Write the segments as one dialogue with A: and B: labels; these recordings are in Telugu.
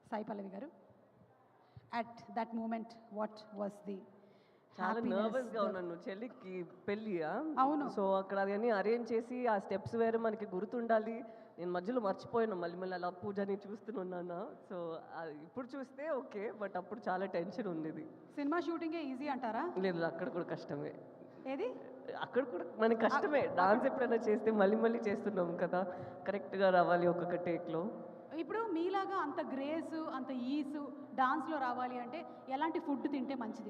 A: సాయి పల్లవి గారు, at that moment what was the
B: చాలా నర్వస్గా ఉన్నాను. చెల్లికి పెళ్ళి.
A: అవును.
B: సో అక్కడ అవన్నీ అరేంజ్ చేసి ఆ స్టెప్స్ వేరే మనకి గుర్తుండాలి. నేను మధ్యలో మర్చిపోయాను, మళ్ళీ అలా పూజని చూస్తున్నాను. సో ఇప్పుడు చూస్తే ఓకే, బట్ అప్పుడు చాలా టెన్షన్ ఉండేది.
A: సినిమా షూటింగే ఈజీ అంటారా?
B: లేదు, అక్కడ కూడా కష్టమే.
A: ఏది?
B: అక్కడ కూడా మనకి కష్టమే. డాన్స్ ఎప్పుడైనా చేస్తే మళ్ళీ చేస్తున్నాం కదా, కరెక్ట్గా రావాలి ఒక్కొక్క టేక్లో.
A: ఇప్పుడు మీలాగా అంత గ్రేస్, అంత ఈసు డాన్స్లో రావాలి అంటే ఎలాంటి ఫుడ్ తింటే మంచిది?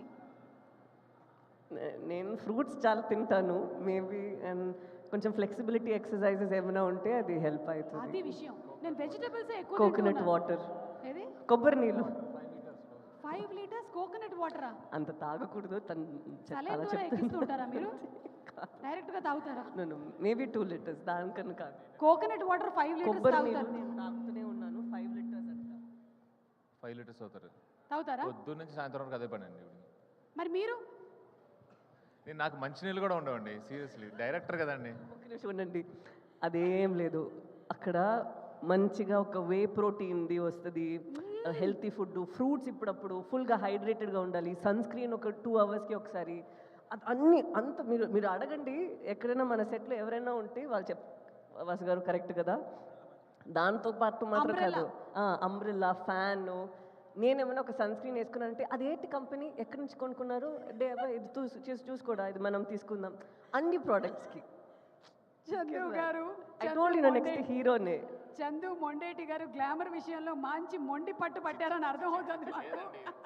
B: నేను ఫ్రూట్స్ చాలా తింటాను మేబీ, అండ్ కొంచెం ఫ్లెక్సిబిలిటీ ఎక్సర్సైజెస్ ఏమైనా ఉంటే అది హెల్ప్ అవుతుంది.
A: అది విషయం. నేను వెజిటబుల్స్ ఎక్కువ
B: కోకోనట్ వాటర్,
A: ఏది?
B: కొబ్బరి నీళ్ళు.
A: 5 లీటర్స్ కోకోనట్ వాటరా?
B: అంత తాగకూడదు,
A: సలైన్ ద్వారా ఎక్కిస్తుంటారా మీరు? డైరెక్ట్గా తాగుతారా?
B: మేబీ 2 లీటర్స్, దానికన్నా కాదు.
A: కోకోనట్ వాటర్ 5 లీటర్స్
B: కొబ్బరి
A: తాగుతారు?
B: నీళ్ళు నేను తాగుతూనే ఉన్నాను. 5 లీటర్స్ అంట.
C: 5 లీటర్స్ అవుతారు.
A: తాగుతారా?
C: పొద్దున్న నుంచి సాయంత్రం వరకు అదే పని అండి.
A: మరి మీరు?
C: నాకు మంచినీళ్ళు కూడా ఉండవండి, సీరియస్లీ. డైరెక్టర్ కదండి.
B: ఒక నిమిషం ఉండండి. అదేం లేదు, అక్కడ మంచిగా ఒక వే ప్రోటీన్ది వస్తుంది, హెల్తీ ఫుడ్, ఫ్రూట్స్ ఇప్పుడప్పుడు, ఫుల్గా హైడ్రేటెడ్గా ఉండాలి, సన్ స్క్రీన్ ఒక 2 అవర్స్కి ఒకసారి. అన్నీ అంత మీరు అడగండి, ఎక్కడైనా మన సెట్లో ఎవరైనా ఉంటే వాళ్ళు వాసు గారు కరెక్ట్ కదా. దాంతో పాటు మాత్రం కాదు, అంబ్రెల్లా, ఫ్యాన్. నేనేమైనా ఒక సన్ స్క్రీన్ వేసుకున్నానంటే అదేంటి కంపెనీ, ఎక్కడి నుంచి కొనుక్కున్నారు, ఇది చూసుకోడా, ఇది మనం తీసుకుందాం, అన్ని ప్రోడక్ట్స్కి.
A: చందు గారు,
B: నెక్స్ట్ హీరోనే
A: చందు మొండేటి గారు గ్లామర్ విషయంలో మంచి మొండి పట్టు పట్టారని అర్థమవుతుంది నాకు.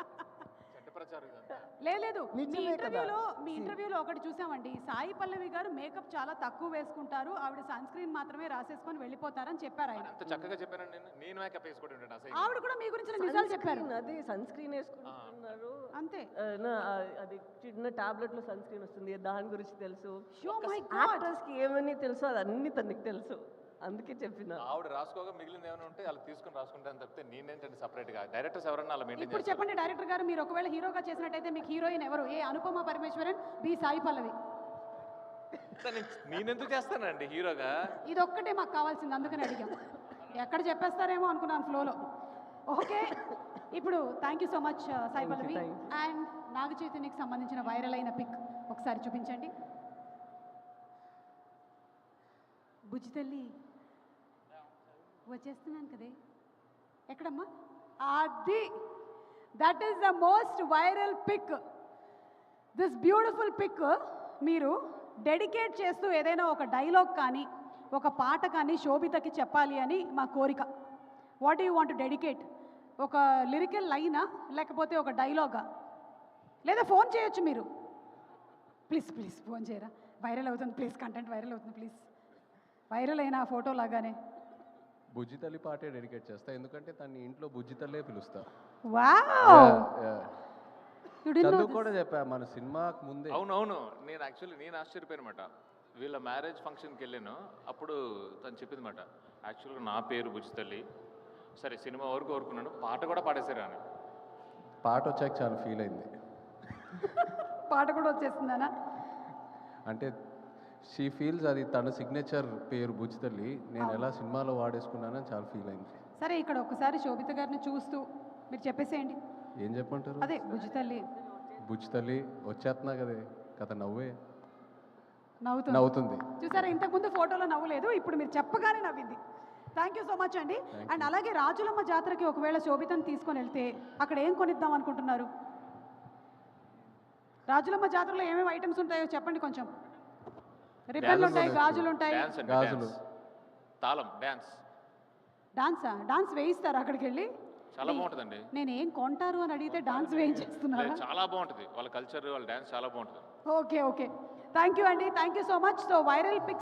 A: లేదు, మీ ఇంటర్వ్యూలో ఒకటి చూసామండి, సాయి పల్లవి గారు మేకప్ చాలా తక్కువ వేసుకుంటారు, ఆవిడ సన్ స్క్రీన్ మాత్రమే రాసేసుకొని వెళ్ళిపోతారని చెప్పారు ఆయన.
C: అంత చక్కగా చెప్పానండి. నేను మేకప్ వేసుకుంటాను అసలు.
A: ఆవిడ కూడా మీ గురించి నిజాలు చెప్పారు.
B: అది సన్ స్క్రీన్ వేసుకుంటున్నారు
A: అంతే.
B: అది చిన్న టాబ్లెట్ లో సన్ స్క్రీన్ వస్తుంది, దాని గురించి తెలుసు.
A: Oh my God.
B: యాక్టర్స్ కి ఏమని తెలుసు అది అన్ని తనకి తెలుసు, అందుకే చెప్పిన.
C: ఆవిడ రాసుకోగా మిగిలింది ఏమైనా ఉంటే అలా తీసుకుని రాసుకుంటాను తప్పితే నేనేంటంటే సపరేట్గా డైరెక్టర్స్ ఎవరన్నా అలా మెయింటైన్
A: ఇప్పుడు చెప్పండి డైరెక్టర్ గారు, మీరు ఒకవేళ హీరోగా చేసినట్టయితే మీకు హీరోయిన్ ఎవరు? A Anupama Parameswaran, B Sai Pallavi?
C: నేనెందుకు చేస్తానండి హీరోగా?
A: ఇది ఒక్కటే మాకు కావాల్సింది, అందుకని అడిగాం. ఎక్కడ చెప్పేస్తారేమో అనుకున్నాను ఫ్లోలో. ఓకే, ఇప్పుడు thank you so much Sai Pallavi. And Naga చైతన్యకి సంబంధించిన వైరల్ అయిన పిక్ ఒకసారి చూపించండి. బుజ్జి తల్లి వచ్చేస్తున్నాను కదే, ఎక్కడమ్మా? అది that is the most viral pic. This beautiful pic మీరు డెడికేట్ చేస్తూ ఏదైనా ఒక డైలాగ్ కానీ ఒక పాట కానీ శోభితకి చెప్పాలి అని మా కోరిక. What do you want to dedicate? ఒక లిరికల్ లైనా, లేకపోతే ఒక డైలాగా, లేదా ఫోన్ చేయొచ్చు మీరు. ప్లీజ్ ఫోన్ చేయరా, వైరల్ అవుతుంది ప్లీజ్, కంటెంట్ వైరల్ అవుతుంది ప్లీజ్. వైరల్ అయిన ఫోటో లాగానే
D: బుజ్జి తల్లి పాటే డెడికేట్ చేస్తా, ఎందుకంటే తన ఇంట్లో బుజ్జి తల్లే పిలుస్తా.
A: వావ్,
D: చదువు కూడా చెప్పా మన సినిమాకు ముందే.
C: అవునవును, నేను ఆశ్చర్యపోయినమాట. వీళ్ళ మ్యారేజ్ ఫంక్షన్కి వెళ్ళాను, అప్పుడు తను చెప్పింది మాట, యాక్చువల్గా నా పేరు బుజ్జి తల్లి, సరే సినిమా వరకు కోరుకున్నాను, పాట కూడా పాడేశారు అని.
D: పాట వచ్చాక చాలా ఫీల్ అయింది.
A: పాట కూడా వచ్చేస్తుందనా?
D: అంటే షీ ఫీల్స్ అది తన సిగ్నేచర్ పేరు బుజ్జి తల్లి, నేను ఎలా సినిమాలో వాడేసుకున్నానని చాలా ఫీల్ అయింది.
A: సరే, ఇక్కడ ఒకసారి శోభిత గారిని చూస్తూ మీరు చెప్పేసేయండి.
D: ఏం చెప్పంటారు?
A: అదే బుజ్జి తల్లి.
D: బుజ్జి తల్లి వచ్చేస్తున్నా కదే కథ,
A: నవ్వుతుంది.
D: నవ్వుతుంది.
A: చూసారా, ఇంతకుముందు ఫోటోలో నవ్వులేదు, ఇప్పుడు మీరు చెప్పగానే నవ్వింది. థ్యాంక్ యూ సో మచ్ అండి. అండ్ అలాగే రాజులమ్మ జాతరకి ఒకవేళ శోభితను తీసుకొని వెళ్తే అక్కడ ఏం కొనిద్దాం అనుకుంటున్నారు? రాజులమ్మ జాతరలో ఏమేమి ఐటమ్స్ ఉంటాయో చెప్పండి కొంచెం. రిబ్బన్లు ఉంటాయి, గాజులు ఉంటాయి.
D: గాజులు,
C: తాళం, డాన్సా?
A: డాన్స్ వేయిస్తారు అక్కడికి వెళ్ళి?
C: చాలా బాగుంటుందండి.
A: నేను ఏం కొంటారు అని అడిగితే డాన్స్ వేయించేస్తున్నారు.
C: చాలా బాగుంటుంది వాళ్ళ కల్చర్, వాళ్ళ డాన్స్ చాలా బాగుంటుంది.
A: ఓకే, థ్యాంక్ యూ అండి, thank you so much. So viral pics